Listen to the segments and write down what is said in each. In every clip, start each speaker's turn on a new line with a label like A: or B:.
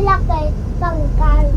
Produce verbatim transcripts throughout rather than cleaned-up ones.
A: malaki, tangkal.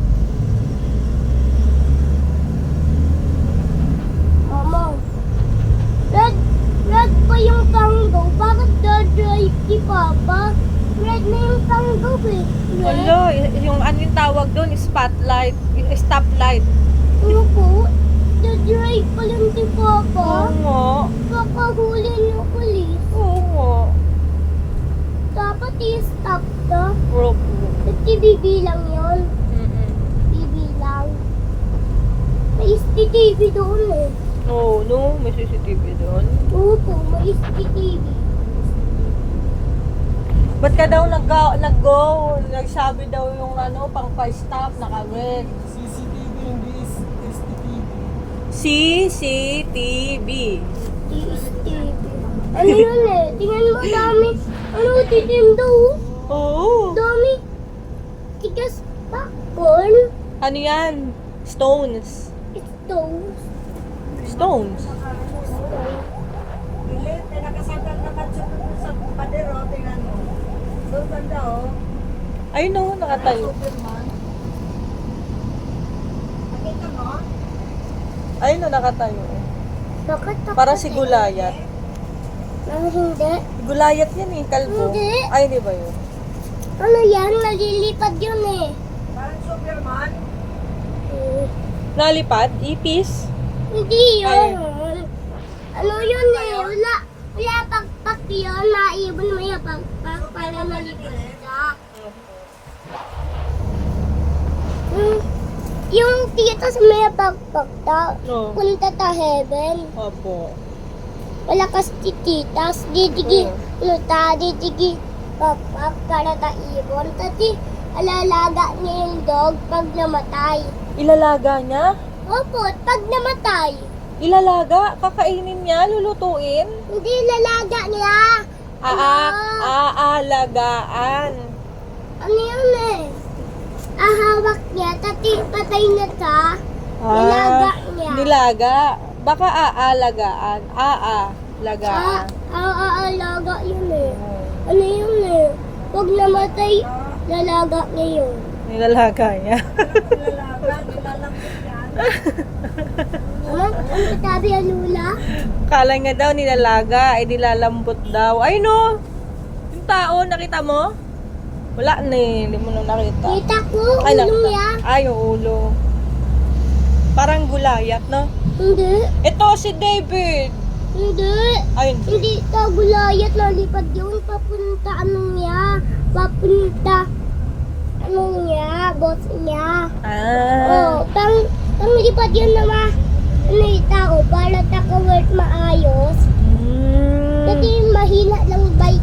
A: Mama, red, red pa yung tango. Bakit dadrive si Papa? Red na yung tango eh. Red.
B: Hello, yung ano yung tawag doon, spotlight, stoplight.
A: Ano po? Dadrive pa lang si Papa.
B: Oo nga.
A: Baka huli ng pulis.
B: Oo nga.
A: Dapat i-stop ka.
B: Bro.
A: Kasi bibilang yun.
B: Mm-mm.
A: Bibilang. May S C T V doon eh.
B: Oo, no, may C C T V doon.
A: Opo, may S C T V.
B: Ba't ka daw nag- nag-go? Nagsabi daw yung ano, pang pa-stop, naka-red.
C: C C T V, hindi S T T V.
B: C C T V.
A: S T V. Ano yun eh? Tingnan mo dami. Ano titim daw?
B: Oo.
A: Dami. Tigas popcorn.
B: Ano yan? Stones.
A: It's those.
B: Stones.
C: Pilit, may nakasandal na katsunod sa padero, tingnan mo. Doon banda, oh.
B: Ayun no, nakatayo.
C: Superman. Nakita mo?
B: Ayun no, nakatayo.
A: Bakit ako?
B: Para si Gulayat.
A: Ano hindi?
B: Gulayat yan eh, kalbo.
A: Hindi.
B: Ay, di ba yun?
A: Ano yan? Nalilipad yun eh.
C: Parang Superman.
A: Hmm.
B: Nalipad? Ipis?
A: Hindi
B: Ay.
A: yun. Ano yun eh? Wala. Wala pagpak yun. Naibon mo yung pagpak para malipad ka. Hmm. Yung tito sa may pagpak ta.
B: No.
A: Punta ta heaven.
B: Opo.
A: Malakas ti titas. Didigi.
B: Oo.
A: Ano ta? Didigi. Pagpak para ta ibon. Tati alalaga niya yung dog pag namatay.
B: Ilalaga niya?
A: Opo, pag namatay.
B: Ilalaga? Kakainin niya? Lulutuin?
A: Hindi lalaga niya.
B: Aa, aalagaan.
A: Ano yun eh? Ahawak niya, tati patay na ka. Nilaga niya.
B: Ah, Nilaga. Baka aalagaan.
A: Ah,
B: Aalagaan.
A: ah, ah, alaga yun eh. Ano yun eh? Pag namatay, lalaga niya yun.
B: Nilalaga niya.
C: Nilalaga, nilalambot yan.
A: Ano? Ano sabi ang lula?
B: Kala nga daw nilalaga, ay nilalambot daw. Ay no! Yung tao, nakita mo? Wala na eh, hindi mo na nakita.
A: Kita ko,
B: Ay,
A: ulo
B: nakita.
A: niya.
B: Ay, yung ulo. Parang gulayat, no?
A: Hindi,
B: Ito si David.
A: hindi.
B: Ay,
A: Hindi ka gulayat, nalipad yun. Papunta ano niya? Papunta ano niya? Boss niya.
B: Ah.
A: Oh, pang, pang lipad yun na ma, ano yung tao, para taka-work maayos.
B: Mm.
A: Kasi mahina lang bike